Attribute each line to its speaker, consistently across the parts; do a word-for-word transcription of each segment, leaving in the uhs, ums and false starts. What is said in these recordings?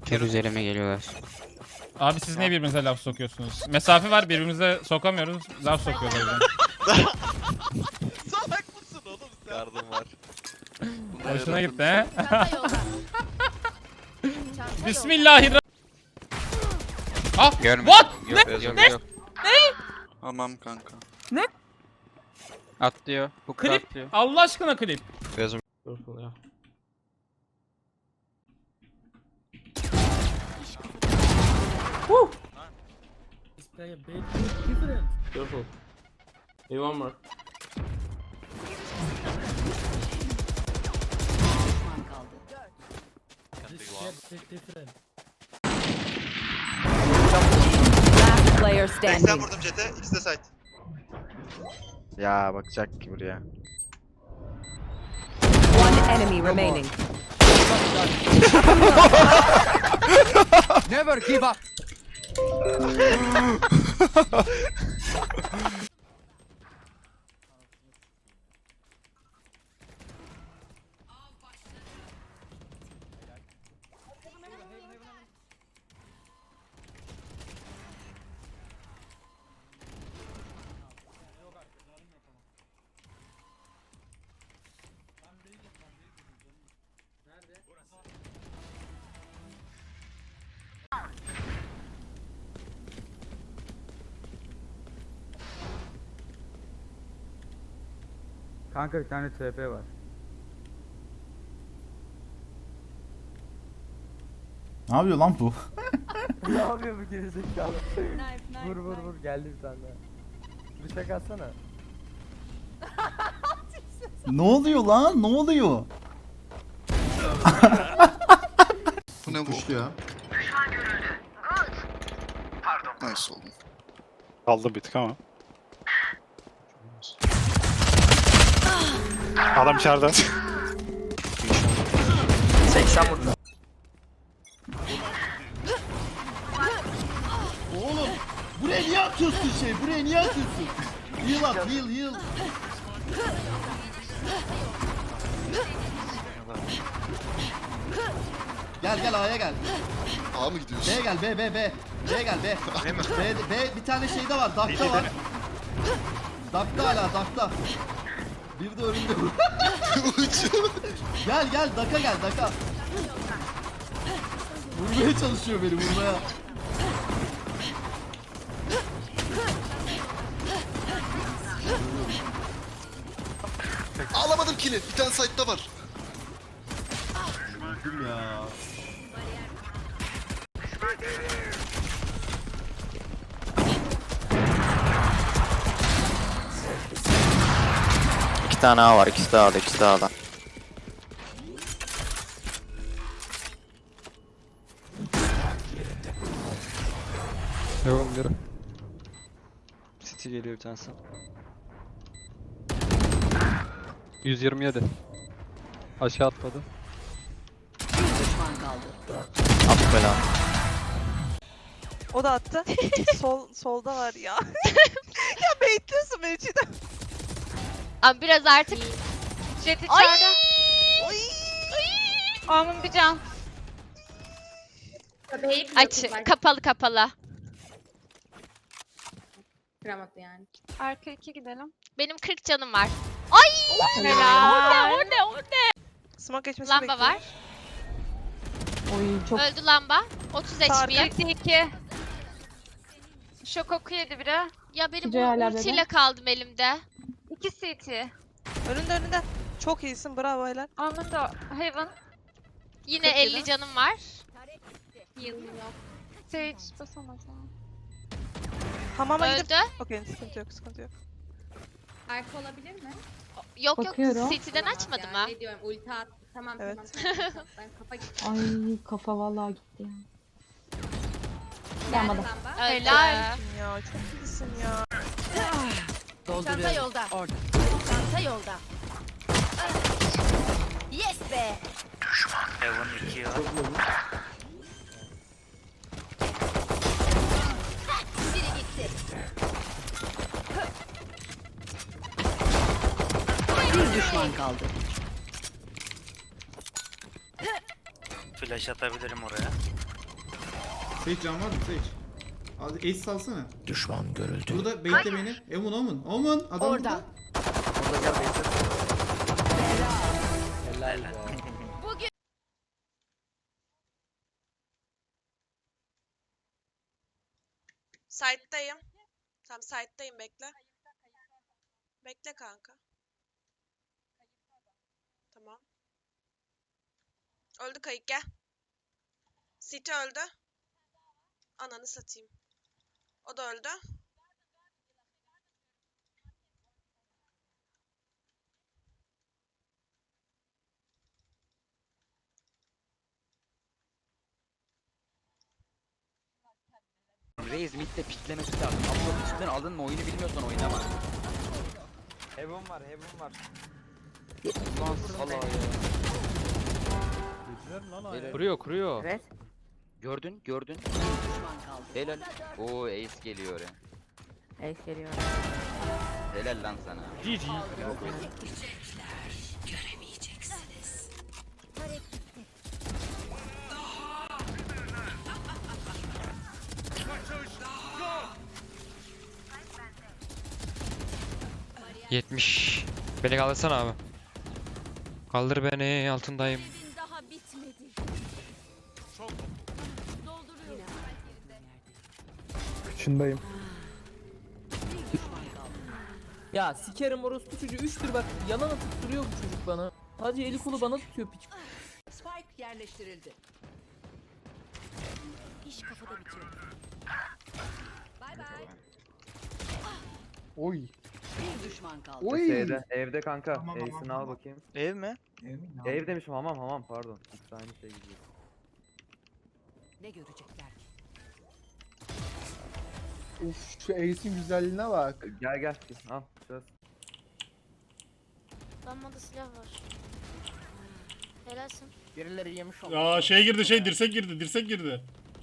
Speaker 1: Her üzerime geliyorlar.
Speaker 2: Abi siz niye birbirinize laf sokuyorsunuz? Mesafe var, birbirimize sokamıyoruz. Laf sokuyorlar birbirine.
Speaker 3: Salak mısın oğlum sen?
Speaker 4: Yardım var.
Speaker 2: Hoşuna gitti he?
Speaker 5: Çanta yolda. Çanta
Speaker 2: Bismillahirrahmanirrahim. Ah!
Speaker 1: Görmedim.
Speaker 2: What?
Speaker 1: Yok,
Speaker 2: Ne?
Speaker 1: yok,
Speaker 2: Ne?
Speaker 1: yok.
Speaker 4: Tamam kanka.
Speaker 1: Atlıyor. Hook'ta
Speaker 2: Klip.
Speaker 1: atlıyor.
Speaker 2: Allah aşkına klip.
Speaker 4: Gözüm.
Speaker 6: Play a bit different. Careful. Hey, one more.
Speaker 5: düşman kaldı.
Speaker 6: This shit is different.
Speaker 5: Last player
Speaker 3: seksen
Speaker 5: standing.
Speaker 3: vurdum Jet'e, ikisi de site.
Speaker 4: Ya bakacak ki buraya.
Speaker 5: One enemy remaining.
Speaker 1: Never give up.
Speaker 7: Kanka bir tane T P var.
Speaker 8: Ne yapıyor lan bu?
Speaker 7: Ne yapıyor bu gerizekalı? Vur vur vur geldi bir tane daha. Bıçak atsana.
Speaker 8: Ne oluyor lan? Ne oluyor?
Speaker 4: Bu ne bu?
Speaker 8: Kuşlu ya.
Speaker 4: Nice oldu.
Speaker 9: Kaldım bir tık ama. Adam içeride.
Speaker 6: seksen vurdu.
Speaker 8: Oğlum buraya niye atıyorsun şey? Buraya niye atıyorsun? Heal at, heal, heal. Gel gel A'ya gel.
Speaker 4: A mı gidiyorsun?
Speaker 8: B'ye gel, B, B, B. B'ye gel, B. B, B, bir tane şeyde var, Dak'ta var. Dak'ta hala, Dak'ta. Bir de önünde. Gel gel, Dak'a gel, Dak'a. Vurmaya çalışıyor beni, vurmaya.
Speaker 4: Alamadım kill'i. Bir tane site'da var.
Speaker 8: Öldüm ya.
Speaker 1: İki tane A var. İkisi de A'da. İkisi de A'da.
Speaker 7: Devam bir.
Speaker 1: City geliyor bir tanesi.
Speaker 7: yüz yirmi yedi. Aşağı atladı.
Speaker 5: Bir düşman kaldı.
Speaker 1: At bela.
Speaker 10: O da attı. Sol solda var ya. Ya bekliyorsun beni Çiğdem.
Speaker 11: Abi biraz artık Jet içeride.
Speaker 10: Oy.
Speaker 11: Aman bir can. Aç. Kapalı kapalı.
Speaker 5: Kıramadı yani.
Speaker 11: Arka iki gidelim. Benim kırk canım var. Ay! Helal. O ne o ne o ne?
Speaker 10: Smoke geçmesini
Speaker 11: Lamba
Speaker 10: bekliyorum.
Speaker 11: var.
Speaker 5: Oy çok
Speaker 11: Öldü lamba. otuz
Speaker 10: Sardı.
Speaker 11: H P. iki. Şok oku yedi biri. Ya benim
Speaker 5: Güzel hala
Speaker 11: bu ultiyle kaldım elimde. iki C T.
Speaker 10: Önünde önünde. Çok iyisin bravo helal.
Speaker 11: Aman da Heaven. Yine
Speaker 10: Çok iyi
Speaker 11: elli
Speaker 10: lan.
Speaker 11: canım var. Heal'ım yok. Sage basamaz ha.
Speaker 10: Hamama gidip.
Speaker 11: Öldü.
Speaker 10: Okey sıkıntı yok sıkıntı yok.
Speaker 5: arka olabilir mi?
Speaker 11: Yok
Speaker 5: Bakıyorum.
Speaker 11: yok. City'den açmadı mı?
Speaker 5: Ne diyorum ulti at. Tamam
Speaker 10: Evet.
Speaker 5: tamam. Ben kafa gitti.
Speaker 12: Ay kafa vallahi gitti ya.
Speaker 5: Gelmedi.
Speaker 11: Helal.
Speaker 10: Ya çok iyisin ya.
Speaker 5: Çanta yolda.
Speaker 10: Orada.
Speaker 5: Çanta yolda. Yes be.
Speaker 9: Heaven iki var.
Speaker 5: Biri gitti. Bir düşman kaldı.
Speaker 9: Flash atabilirim oraya.
Speaker 6: Sage can var mı Sage? Al ace salsana. Düşman görüldü. Burada bekle beni. Omun Omun. Omun adam
Speaker 5: Orada.
Speaker 6: burada.
Speaker 7: Orada gel bekle. Helal be.
Speaker 5: Bugün
Speaker 10: Site'dayım. Tamam site'dayım bekle. Bekle kanka. Tamam. Öldü kayık gel. City öldü. Ananı satayım. O da öldü.
Speaker 1: Reis midde piklemesi lazım. Abla üstten aldın mı oyunu bilmiyorsan oynama.
Speaker 7: Heaven var, heaven var.
Speaker 1: Lan sala ya. Kuruyor kuruyor.
Speaker 5: Evet.
Speaker 1: Gördün gördün.
Speaker 5: Bir düşman kaldı.
Speaker 1: Helal. Oo ace geliyor oraya.
Speaker 5: Ace geliyor.
Speaker 1: Helal lan sana.
Speaker 5: Göremeyeceksiniz.
Speaker 1: yetmiş. Beni kaldırsana abi. Kaldır beni altındayım.
Speaker 5: Daha bitmedi. Dolduruyor.
Speaker 7: Kıçındayım. Ya sikerim orospu çocuğu üçtür bak yalan atıp duruyor bu çocuk bana. Sadece eli kolu bana tutuyor piç.
Speaker 5: Spike yerleştirildi. İş kafada bitiyor. Bay bay.
Speaker 7: Oy.
Speaker 5: Bir düşman kaldı.
Speaker 7: Oy.
Speaker 13: Evde, evde kanka. Ace'ini al bakayım.
Speaker 1: Ev mi?
Speaker 13: Ev demişim hamam hamam pardon. İkisi aynı şey gidiyor.
Speaker 5: Ne görecekler ki?
Speaker 7: Uf şu Ace'in güzelliğine bak.
Speaker 13: Gel gel al söz.
Speaker 11: Damada silah var. Helalsin.
Speaker 7: Birileri yemiş oldu.
Speaker 2: Ya şey girdi şey dirsek girdi dirsek girdi.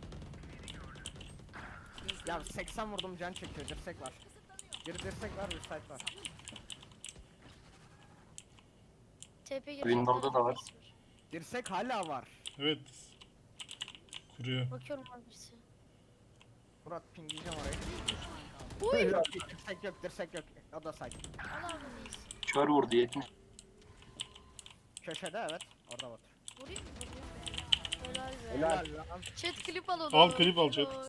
Speaker 7: Ya seksen vurdum can çekiyor dirsek var. Bir dirsek var bir site var.
Speaker 11: T P girecek.
Speaker 9: Windows'da da var.
Speaker 7: Dirsek hala var.
Speaker 2: Evet. Kuruyor.
Speaker 11: Bakıyorum abi birisi.
Speaker 7: Murat pingleyeceğim orayı.
Speaker 11: Uy.
Speaker 7: Yok, dirsek yok dirsek yok. O da site.
Speaker 11: Allah reis.
Speaker 9: Kör vurdu yetmiş.
Speaker 7: Köşede evet. Orada var.
Speaker 11: Vurayım mı? Vurayım. Helal be.
Speaker 7: Helal lan.
Speaker 11: Chat klip al onu.
Speaker 2: Al, klip al chat.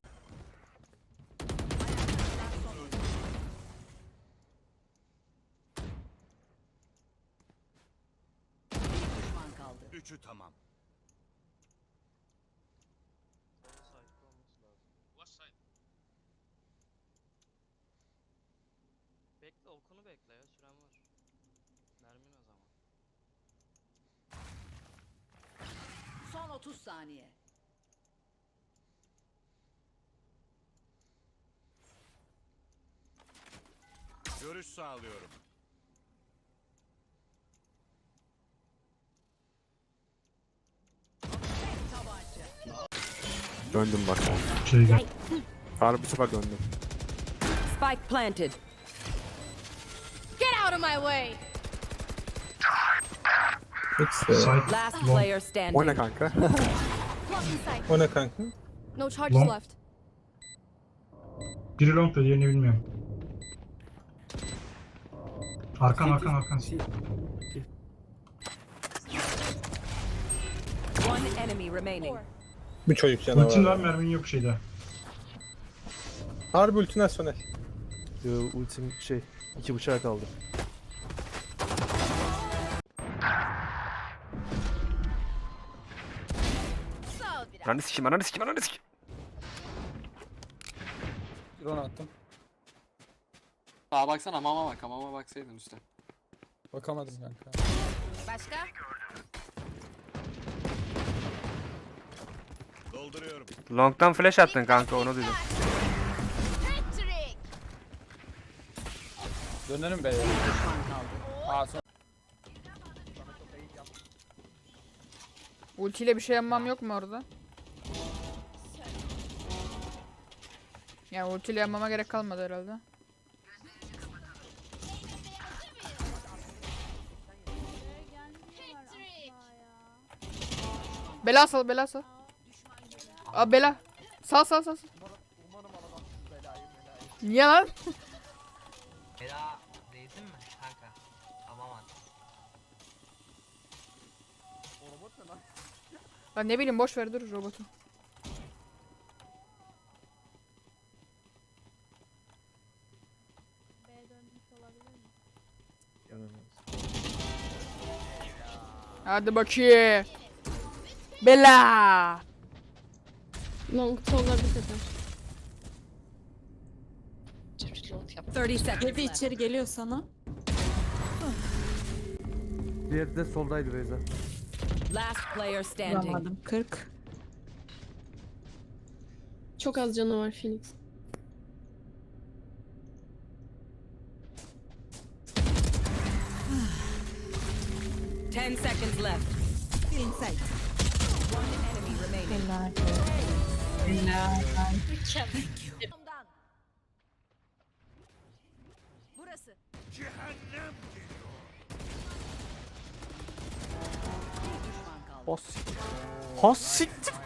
Speaker 5: Bir düşman kaldı.
Speaker 3: Üçü tamam.
Speaker 1: Bekle okunu bekle ya süren var. Mermin o zaman.
Speaker 5: Son otuz saniye.
Speaker 3: Görüş sağlıyorum.
Speaker 13: Döndüm bak.
Speaker 9: Şey gel.
Speaker 13: Harbi bir sefer döndüm.
Speaker 5: Spike planted.
Speaker 11: Get out of my way.
Speaker 5: Last player standing.
Speaker 13: O ne kanka?
Speaker 9: O ne kanka?
Speaker 11: No charges
Speaker 9: Long.
Speaker 11: left.
Speaker 9: Biri long da diğerini bilmiyorum. Arkan arkan arkan.
Speaker 5: One enemy remaining.
Speaker 13: Bir çocuk canavar.
Speaker 9: Ultin var mermin yok şeyde.
Speaker 13: Harbi ulti nasyonel. Yo ultim şey iki bıçağa kaldı.
Speaker 5: Sağ ol biraz.
Speaker 13: Ananı sikeyim ananı sikeyim ananı sikeyim.
Speaker 7: Drone attım.
Speaker 6: Sağa baksana hamama bak hamama baksaydın üstte.
Speaker 7: Bakamadım kanka.
Speaker 5: Başka?
Speaker 3: Dolduruyorum.
Speaker 13: Long'dan flash attın kanka onu duydum.
Speaker 11: Patrick.
Speaker 7: Dönerim be.
Speaker 5: Bir düşman kaldı.
Speaker 7: Aa son.
Speaker 10: Ultiyle bir şey yapmam yok mu orada? Yani ultiyle yapmama gerek kalmadı herhalde. Bela sal, bela sal. Aa bela.
Speaker 5: Sal sal sal. sal. Niye lan?
Speaker 7: Ela değdin mi kanka? Tamam at.
Speaker 5: Ben ne bileyim boş ver dur robotu. Hadi bakayım. Bela.
Speaker 12: Long sola bir sefer.
Speaker 5: otuz seconds.
Speaker 12: Evi içeri geliyor sana.
Speaker 13: Diğeri de soldaydı Beyza.
Speaker 5: Last player standing.
Speaker 12: Vuramadım. kırk. Çok az canı var Phoenix.
Speaker 5: ten seconds left. Feeling safe. One enemy remaining.
Speaker 12: Helal. Helal.
Speaker 5: Burası.
Speaker 13: Has. Has siktir.